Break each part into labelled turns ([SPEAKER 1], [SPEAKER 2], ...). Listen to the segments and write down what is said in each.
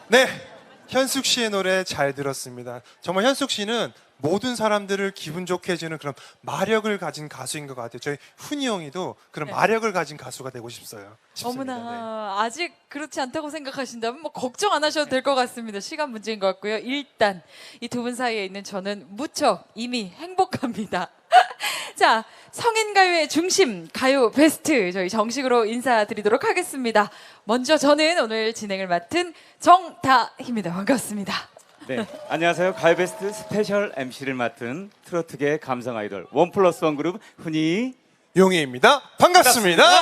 [SPEAKER 1] 네, 현숙 씨의 노래 잘 들었습니다. 정말 현숙 씨는 모든 사람들을 기분 좋게 해주는 그런 마력을 가진 가수인 것 같아요. 저희 훈이 형이도 그런
[SPEAKER 2] 네.
[SPEAKER 1] 마력을 가진 가수가 되고 싶습니다.
[SPEAKER 2] 어머나, 아직 그렇지 않다고 생각하신다면 뭐 걱정 안 하셔도 될 것 같습니다. 시간 문제인 것 같고요. 일단 이 두 분 사이에 있는 저는 무척 이미 행복합니다. 자, 성인 가요의 중심, 가요 베스트 저희 정식으로 인사드리도록 하겠습니다. 먼저 저는 오늘 진행을 맡은 정다희입니다. 반갑습니다.
[SPEAKER 3] 네, 안녕하세요. 가요베스트 스페셜 MC를 맡은 트로트계 감성 아이돌 원+1 그룹 훈이
[SPEAKER 1] 용희입니다. 반갑습니다.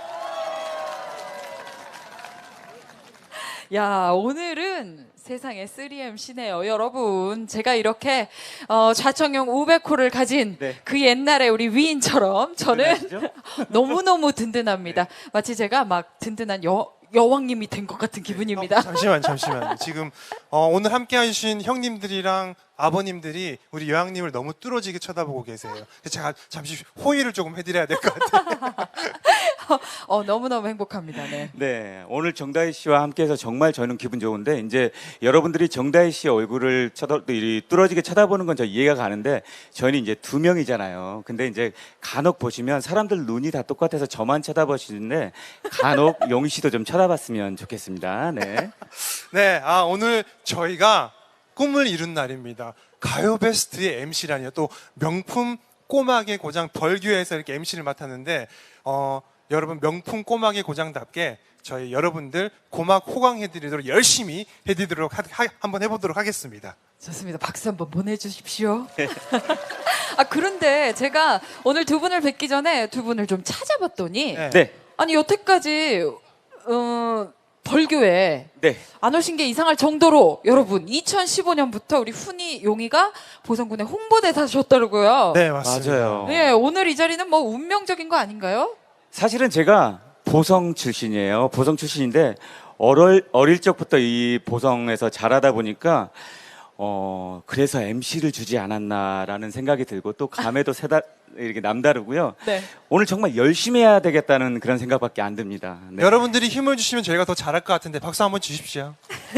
[SPEAKER 2] 야, 오늘은 세상에 3MC네요, 여러분. 제가 이렇게 좌청용 500호를 가진
[SPEAKER 3] 네.
[SPEAKER 2] 그 옛날에 우리 위인처럼 저는
[SPEAKER 3] 든든하시죠?
[SPEAKER 2] 너무너무 든든합니다. 마치 제가 막 든든한 여왕님이 된 것 같은 기분입니다.
[SPEAKER 1] 잠시만. 지금 오늘 함께 해주신 형님들이랑 아버님들이 우리 여왕님을 너무 뚫어지게 쳐다보고 계세요. 제가 잠시 호의를 조금 해드려야 될 것 같아요.
[SPEAKER 2] 너무너무 행복합니다. 네.
[SPEAKER 3] 네, 오늘 정다희 씨와 함께해서 정말 저는 기분 좋은데 이제 여러분들이 정다희 씨의 얼굴을 뚫어지게 쳐다보는 건 저 이해가 가는데 저희는 이제 두 명이잖아요. 근데 이제 간혹 보시면 사람들 눈이 다 똑같아서 저만 쳐다보시는데 간혹 용희 씨도 좀 쳐다봤으면 좋겠습니다. 네.
[SPEAKER 1] 네, 오늘 저희가 꿈을 이룬 날입니다. 가요 베스트의 MC라니요. 또 명품 꼬막의 고장 벌교에서 이렇게 MC를 맡았는데 여러분 명품 꼬막의 고장답게 저희 여러분들 고막 호강해드리도록 열심히 해드리도록 한번 해보도록 하겠습니다.
[SPEAKER 2] 좋습니다. 박수 한번 보내주십시오. 그런데 제가 오늘 두 분을 뵙기 전에 두 분을 좀 찾아봤더니
[SPEAKER 3] 네.
[SPEAKER 2] 아니 여태까지 벌교에
[SPEAKER 3] 네.
[SPEAKER 2] 안 오신 게 이상할 정도로 여러분 2015년부터 우리 훈이 용이가 보성군의 홍보대사셨더라고요.
[SPEAKER 1] 네, 맞습니다.
[SPEAKER 3] 맞아요.
[SPEAKER 2] 네, 오늘 이 자리는 뭐 운명적인 거 아닌가요?
[SPEAKER 3] 사실은 제가 보성 출신이에요. 보성 출신인데 어릴 적부터 이 보성에서 자라다 보니까 그래서 MC를 주지 않았나라는 생각이 들고 또 감에도 이렇게 남다르고요.
[SPEAKER 2] 네.
[SPEAKER 3] 오늘 정말 열심히 해야 되겠다는 그런 생각밖에 안 듭니다. 네.
[SPEAKER 1] 여러분들이 힘을 주시면 저희가 더 잘할 것 같은데 박수 한번 주십시오.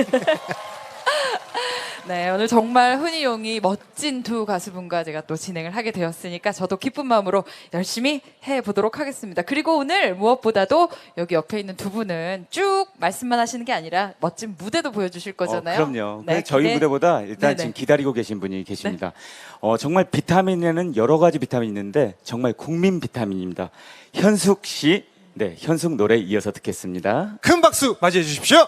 [SPEAKER 2] 네, 오늘 정말 훈이 용이 멋진 두 가수분과 제가 또 진행을 하게 되었으니까 저도 기쁜 마음으로 열심히 해보도록 하겠습니다. 그리고 오늘 무엇보다도 여기 옆에 있는 두 분은 쭉 말씀만 하시는 게 아니라 멋진 무대도 보여주실 거잖아요.
[SPEAKER 3] 그럼요.
[SPEAKER 2] 네,
[SPEAKER 3] 저희
[SPEAKER 2] 기대-
[SPEAKER 3] 무대보다 일단
[SPEAKER 2] 네네.
[SPEAKER 3] 지금 기다리고 계신 분이 계십니다. 정말 비타민에는 여러 가지 비타민이 있는데 정말 국민 비타민입니다. 현숙 씨, 네, 현숙 노래 이어서 듣겠습니다.
[SPEAKER 1] 큰 박수 맞이해 주십시오.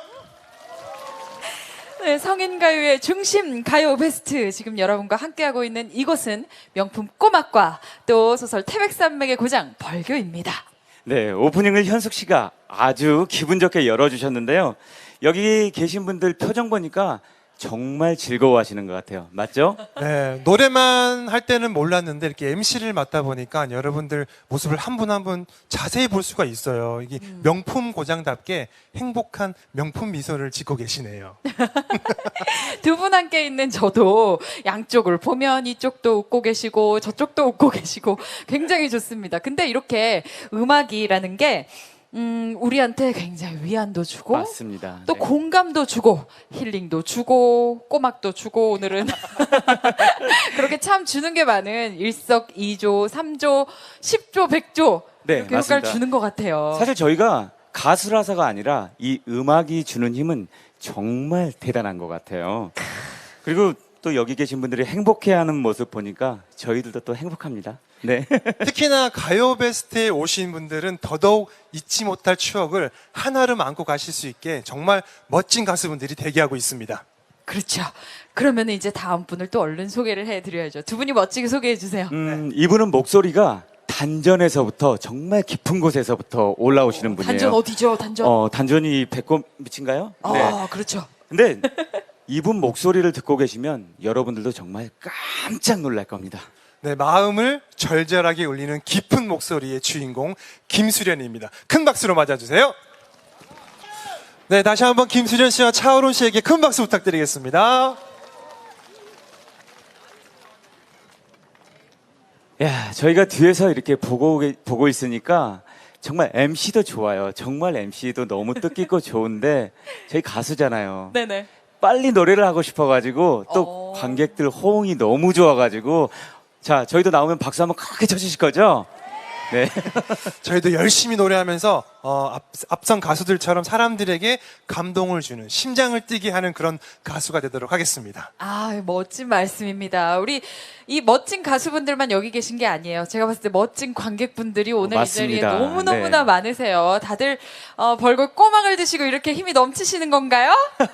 [SPEAKER 2] 네, 성인 가요의 중심 가요 베스트 지금 여러분과 함께하고 있는 이곳은 명품 꼬막과 또 소설 태백산맥의 고장 벌교입니다.
[SPEAKER 3] 네, 오프닝을 현숙 씨가 아주 기분 좋게 열어주셨는데요. 여기 계신 분들 표정 보니까 정말 즐거워하시는 것 같아요. 맞죠?
[SPEAKER 1] 네, 노래만 할 때는 몰랐는데 이렇게 MC를 맡다 보니까 여러분들 모습을 한 분 한 분 자세히 볼 수가 있어요. 이게 명품 고장답게 행복한 명품 미소를 짓고 계시네요.
[SPEAKER 2] 두 분 함께 있는 저도 양쪽을 보면 이쪽도 웃고 계시고 저쪽도 웃고 계시고 굉장히 좋습니다. 근데 이렇게 음악이라는 게 우리한테 굉장히 위안도 주고
[SPEAKER 3] 맞습니다.
[SPEAKER 2] 또
[SPEAKER 3] 네.
[SPEAKER 2] 공감도 주고 힐링도 주고 꼬막도 주고 오늘은 그렇게 참 주는 게 많은 일석이조, 삼조, 십조, 백조
[SPEAKER 3] 네,
[SPEAKER 2] 이렇게 효과를
[SPEAKER 3] 맞습니다.
[SPEAKER 2] 주는 것 같아요.
[SPEAKER 3] 사실 저희가 가수라서가 아니라 이 음악이 주는 힘은 정말 대단한 것 같아요. 그리고 또 여기 계신 분들이 행복해하는 모습 보니까 저희들도 또 행복합니다. 네.
[SPEAKER 1] 특히나 가요 베스트에 오신 분들은 더더욱 잊지 못할 추억을 하나름 안고 가실 수 있게 정말 멋진 가수분들이 대기하고 있습니다.
[SPEAKER 2] 그렇죠. 그러면 이제 다음 분을 또 얼른 소개를 해드려야죠. 두 분이 멋지게 소개해 주세요.
[SPEAKER 3] 이분은 목소리가 단전에서부터 정말 깊은 곳에서부터 올라오시는 분이에요.
[SPEAKER 2] 단전 어디죠? 단전.
[SPEAKER 3] 단전이 배꼽 밑인가요? 네.
[SPEAKER 2] 그렇죠.
[SPEAKER 3] 근데 이분 목소리를 듣고 계시면 여러분들도 정말 깜짝 놀랄 겁니다.
[SPEAKER 1] 네, 마음을 절절하게 울리는 깊은 목소리의 주인공 김수련입니다. 큰 박수로 맞아주세요. 네, 다시 한번 김수련 씨와 차오론 씨에게 큰 박수 부탁드리겠습니다.
[SPEAKER 3] 야, 저희가 뒤에서 이렇게 보고 있으니까 정말 MC도 좋아요. 정말 MC도 너무 뜻깊고 좋은데 저희 가수잖아요.
[SPEAKER 2] 네네.
[SPEAKER 3] 빨리 노래를 하고 싶어가지고 또
[SPEAKER 2] 어.
[SPEAKER 3] 관객들 호응이 너무 좋아가지고 자 저희도 나오면 박수 한번 크게 쳐주실 거죠? 네.
[SPEAKER 1] 저희도 열심히 노래하면서 앞선 가수들처럼 사람들에게 감동을 주는, 심장을 뛰게 하는 그런 가수가 되도록 하겠습니다.
[SPEAKER 2] 아, 멋진 말씀입니다. 우리 이 멋진 가수분들만 여기 계신 게 아니에요. 제가 봤을 때 멋진 관객분들이 오늘 이 자리에
[SPEAKER 3] 맞습니다.
[SPEAKER 2] 너무너무나
[SPEAKER 3] 네.
[SPEAKER 2] 많으세요. 다들 벌겋 꼬막을 드시고 이렇게 힘이 넘치시는 건가요?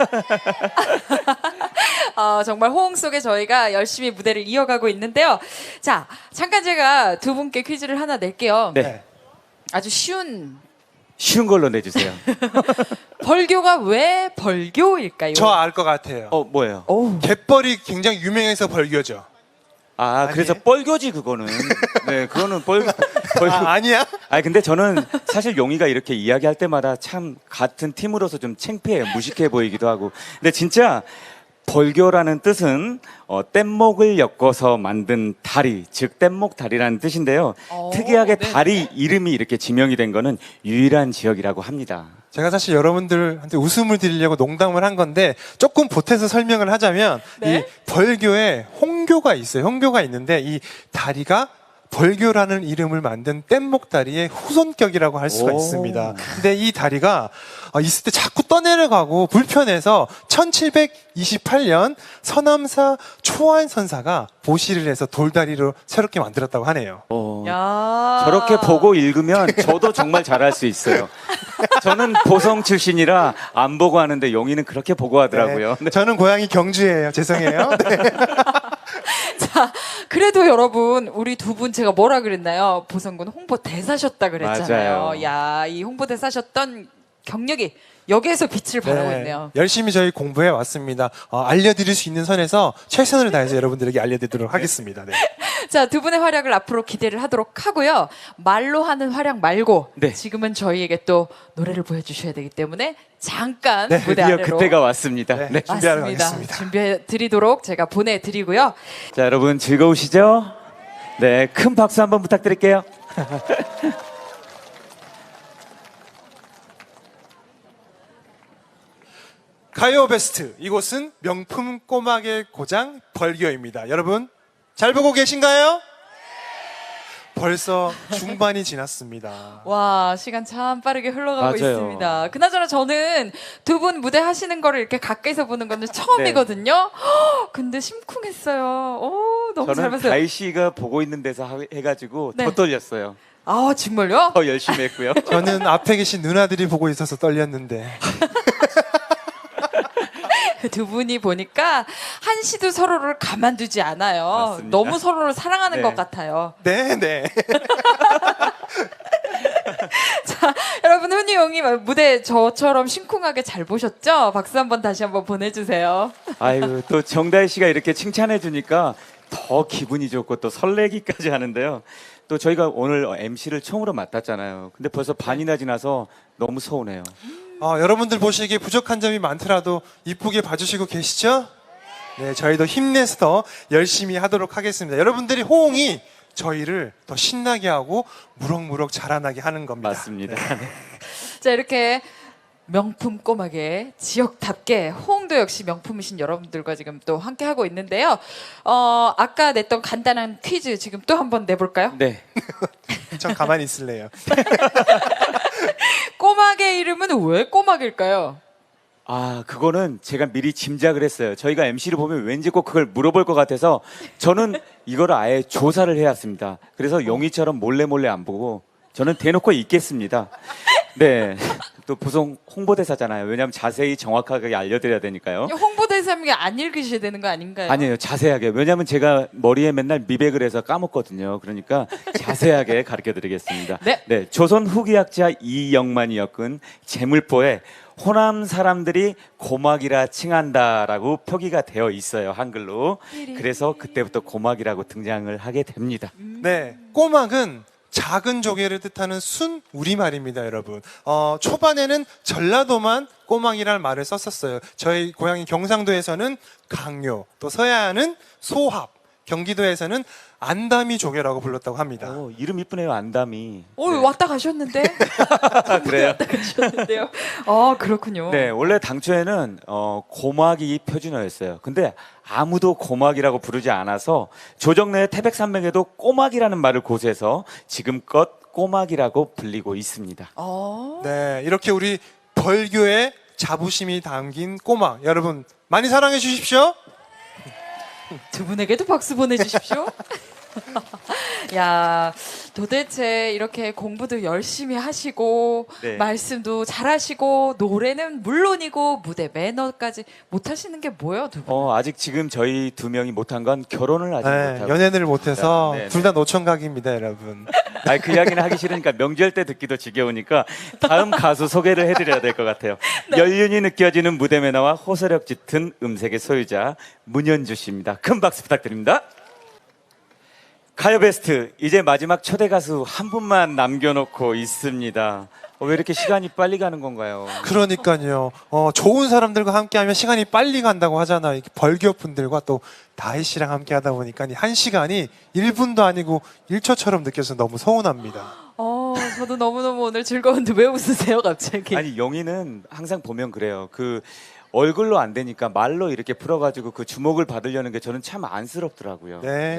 [SPEAKER 2] 정말 호응 속에 저희가 열심히 무대를 이어가고 있는데요. 자, 잠깐 제가 두 분께 퀴즈를 하나 낼게요.
[SPEAKER 3] 네.
[SPEAKER 2] 아주 쉬운
[SPEAKER 3] 쉬운 걸로 내주세요.
[SPEAKER 2] 벌교가 왜 벌교일까요?
[SPEAKER 1] 저 알 것 같아요.
[SPEAKER 3] 뭐예요?
[SPEAKER 2] 오.
[SPEAKER 1] 갯벌이 굉장히 유명해서 벌교죠.
[SPEAKER 3] 그래서 뻘교지 그거는. 네, 그거는 뻘교.
[SPEAKER 1] 아니야?
[SPEAKER 3] 근데 저는 사실 용이가 이렇게 이야기할 때마다 참 같은 팀으로서 좀 창피해요. 무식해 보이기도 하고. 근데 진짜 벌교라는 뜻은 뗏목을 엮어서 만든 다리, 즉 뗏목 다리라는 뜻인데요. 특이하게
[SPEAKER 2] 네.
[SPEAKER 3] 다리 이름이 이렇게 지명이 된 거는 유일한 지역이라고 합니다.
[SPEAKER 1] 제가 사실 여러분들한테 웃음을 드리려고 농담을 한 건데 조금 보태서 설명을 하자면
[SPEAKER 2] 네?
[SPEAKER 1] 이 벌교에 홍교가 있어요. 홍교가 있는데 이 다리가 벌교라는 이름을 만든 뗏목 다리의 후손격이라고 할 수가
[SPEAKER 3] 오.
[SPEAKER 1] 있습니다. 근데 이 다리가 있을 때 자꾸 떠내려가고 불편해서 1728년 서남사 초안 선사가 보시를 해서 돌다리로 새롭게 만들었다고 하네요.
[SPEAKER 2] 야.
[SPEAKER 3] 저렇게 보고 읽으면 저도 정말 잘할 수 있어요. 저는 보성 출신이라 안 보고 하는데 용이는 그렇게 보고 하더라고요.
[SPEAKER 1] 네. 저는 고향이 경주예요. 죄송해요. 네.
[SPEAKER 2] 자, 그래도 여러분, 우리 두 분 제가 뭐라 그랬나요? 보성군 홍보대사셨다 그랬잖아요.
[SPEAKER 3] 맞아요.
[SPEAKER 2] 야, 이 홍보대사셨던 경력이 여기에서 빛을 발하고 있네요.
[SPEAKER 1] 열심히 저희 공부해 왔습니다. 알려드릴 수 있는 선에서 최선을 다해서 여러분들에게 알려드리도록 하겠습니다. 네.
[SPEAKER 2] 자, 두 분의 활약을 앞으로 기대를 하도록 하고요. 말로 하는 활약 말고
[SPEAKER 3] 네.
[SPEAKER 2] 지금은 저희에게 또 노래를 보여주셔야 되기 때문에 잠깐
[SPEAKER 1] 네,
[SPEAKER 2] 무대
[SPEAKER 3] 드디어
[SPEAKER 2] 아래로
[SPEAKER 3] 그때가 왔습니다.
[SPEAKER 1] 네.
[SPEAKER 3] 네.
[SPEAKER 1] 준비하러
[SPEAKER 2] 맞습니다.
[SPEAKER 1] 가겠습니다.
[SPEAKER 2] 준비해 드리도록 제가 보내드리고요.
[SPEAKER 3] 자, 여러분 즐거우시죠? 네, 큰 박수 한번 부탁드릴게요.
[SPEAKER 1] 가요 베스트, 이곳은 명품 꼬막의 고장 벌교입니다. 여러분 잘 보고 계신가요? 벌써 중반이 지났습니다.
[SPEAKER 2] 와, 시간 참 빠르게 흘러가고
[SPEAKER 3] 맞아요.
[SPEAKER 2] 있습니다. 그나저나 저는 두 분 무대 하시는 거를 이렇게 가까이서 보는 거는 처음이거든요. 헉, 근데 심쿵했어요. 오, 너무 잘
[SPEAKER 3] 저는
[SPEAKER 2] 봤어요.
[SPEAKER 3] 다희 씨가 보고 있는 데서 해가지고
[SPEAKER 2] 네.
[SPEAKER 3] 더 떨렸어요.
[SPEAKER 2] 아, 정말요?
[SPEAKER 3] 더 열심히 했고요.
[SPEAKER 1] 저는 앞에 계신 누나들이 보고 있어서 떨렸는데
[SPEAKER 2] 두 분이 보니까 한시도 서로를 가만두지 않아요.
[SPEAKER 3] 맞습니다.
[SPEAKER 2] 너무 서로를 사랑하는
[SPEAKER 3] 네.
[SPEAKER 2] 것 같아요.
[SPEAKER 1] 네.
[SPEAKER 2] 자, 여러분 훈이 용이 무대 저처럼 심쿵하게 잘 보셨죠? 박수 한번 다시 한번 보내주세요.
[SPEAKER 3] 아이고 또 정다희 씨가 이렇게 칭찬해 주니까 더 기분이 좋고 또 설레기까지 하는데요. 또 저희가 오늘 MC를 처음으로 맡았잖아요. 근데 벌써 반이나 지나서 너무 서운해요.
[SPEAKER 1] 여러분들 보시기에 부족한 점이 많더라도 이쁘게 봐주시고 계시죠? 네, 저희도 힘내서 더 열심히 하도록 하겠습니다. 여러분들이 호응이 저희를 더 신나게 하고 무럭무럭 자라나게 하는 겁니다.
[SPEAKER 3] 맞습니다.
[SPEAKER 2] 자, 이렇게 명품 꼬막의 지역답게 호응도 역시 명품이신 여러분들과 지금 또 함께 하고 있는데요. 아까 냈던 간단한 퀴즈 지금 또 한번 내볼까요?
[SPEAKER 3] 네.
[SPEAKER 1] 전 가만히 있을래요.
[SPEAKER 2] 꼬막의 이름은 왜 꼬막일까요?
[SPEAKER 3] 그거는 제가 미리 짐작을 했어요. 저희가 MC를 보면 왠지 꼭 그걸 물어볼 것 같아서 저는 이거를 아예 조사를 해왔습니다. 그래서 용이처럼 몰래 안 보고 저는 대놓고 있겠습니다. 네. 또 보성 홍보대사잖아요. 왜냐하면 자세히 정확하게 알려드려야 되니까요.
[SPEAKER 2] 홍보대사님이 안 읽으셔야 되는 거 아닌가요?
[SPEAKER 3] 아니에요. 자세하게. 왜냐하면 제가 머리에 맨날 미백을 해서 까먹거든요. 그러니까 자세하게 가르쳐드리겠습니다.
[SPEAKER 2] 네.
[SPEAKER 3] 조선 후기학자 이영만이 엮은 제물포에 호남 사람들이 고막이라 칭한다라고 표기가 되어 있어요. 한글로. 그래서 그때부터 고막이라고 등장을 하게 됩니다.
[SPEAKER 1] 네, 꼬막은 작은 조개를 뜻하는 순 우리말입니다, 여러분. 초반에는 전라도만 꼬막이라는 말을 썼었어요. 저희 고향인 경상도에서는 강요, 또 서해안은 소합, 경기도에서는 안담이 조개라고 불렀다고 합니다.
[SPEAKER 3] 이름 이쁘네요, 안담이.
[SPEAKER 2] 왔다 가셨는데?
[SPEAKER 3] 그래요?
[SPEAKER 2] 왔다 가셨는데요. 아, 그렇군요.
[SPEAKER 3] 네, 원래 당초에는 고막이 표준어였어요. 근데 아무도 고막이라고 부르지 않아서 조정래의 태백산맥에도 꼬막이라는 말을 고수해서 지금껏 꼬막이라고 불리고 있습니다.
[SPEAKER 1] 네, 이렇게 우리 벌교의 자부심이 담긴 꼬막 여러분 많이 사랑해 주십시오.
[SPEAKER 2] 두 분에게도 박수 보내주십시오. 야, 도대체 이렇게 공부도 열심히 하시고
[SPEAKER 3] 네.
[SPEAKER 2] 말씀도 잘하시고 노래는 물론이고 무대 매너까지 못하시는 게 뭐예요, 두 분?
[SPEAKER 3] 아직 지금 저희 두 명이 못한 건 결혼을 아직
[SPEAKER 1] 네,
[SPEAKER 3] 못하고.
[SPEAKER 1] 연애를 못해서
[SPEAKER 3] 네, 네.
[SPEAKER 1] 둘 다 노총각입니다, 여러분.
[SPEAKER 3] 아니, 그 이야기는 하기 싫으니까 명절 때 듣기도 지겨우니까 다음 가수 소개를 해드려야 될 것 같아요. 연륜이 느껴지는 무대 매너와 호소력 짙은 음색의 소유자 문현주 씨입니다. 큰 박수 부탁드립니다. 가요베스트 이제 마지막 초대 가수 한 분만 남겨놓고 있습니다. 왜 이렇게 시간이 빨리 가는 건가요?
[SPEAKER 1] 그러니까요. 좋은 사람들과 함께하면 시간이 빨리 간다고 하잖아요. 이렇게 벌교 분들과 또 다희 씨랑 함께하다 보니까 한 시간이 1분도 아니고 1초처럼 느껴서 너무 서운합니다.
[SPEAKER 2] 저도 너무너무 오늘 즐거운데 왜 웃으세요, 갑자기?
[SPEAKER 3] 아니, 영희는 항상 보면 그래요. 그 얼굴로 안 되니까 말로 이렇게 풀어가지고 그 주목을 받으려는 게 저는 참 안쓰럽더라고요.
[SPEAKER 1] 네.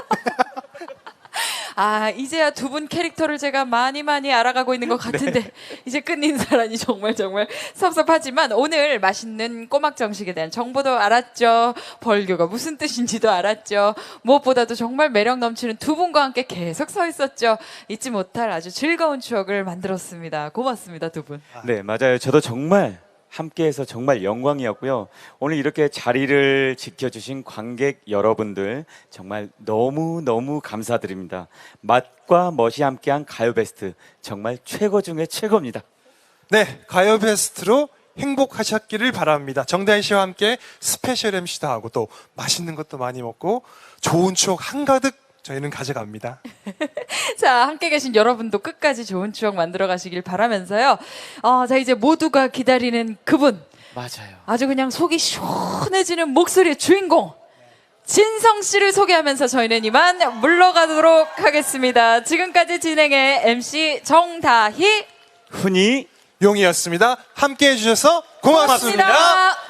[SPEAKER 2] 이제야 두 분 캐릭터를 제가 많이 알아가고 있는 것 같은데 이제 끝 인사라니 정말 섭섭하지만 오늘 맛있는 꼬막 정식에 대한 정보도 알았죠. 벌교가 무슨 뜻인지도 알았죠. 무엇보다도 정말 매력 넘치는 두 분과 함께 계속 서 있었죠. 잊지 못할 아주 즐거운 추억을 만들었습니다. 고맙습니다, 두 분.
[SPEAKER 3] 네, 맞아요. 저도 정말 함께해서 정말 영광이었고요. 오늘 이렇게 자리를 지켜주신 관객 여러분들 정말 너무 감사드립니다. 맛과 멋이 함께한 가요베스트 정말 최고 중에 최고입니다.
[SPEAKER 1] 네, 가요 베스트로 행복하셨기를 바랍니다. 정다희 씨와 함께 스페셜 MC도 하고 또 맛있는 것도 많이 먹고 좋은 추억 한가득 저희는 가져갑니다.
[SPEAKER 2] 자, 함께 계신 여러분도 끝까지 좋은 추억 만들어 가시길 바라면서요. 자, 이제 모두가 기다리는 그분.
[SPEAKER 3] 맞아요.
[SPEAKER 2] 아주 그냥 속이 시원해지는 목소리의 주인공. 진성 씨를 소개하면서 저희는 이만 물러가도록 하겠습니다. 지금까지 진행의 MC 정다희
[SPEAKER 3] 훈이
[SPEAKER 1] 용이었습니다. 함께 해주셔서 고맙습니다.
[SPEAKER 2] 고맙습니다.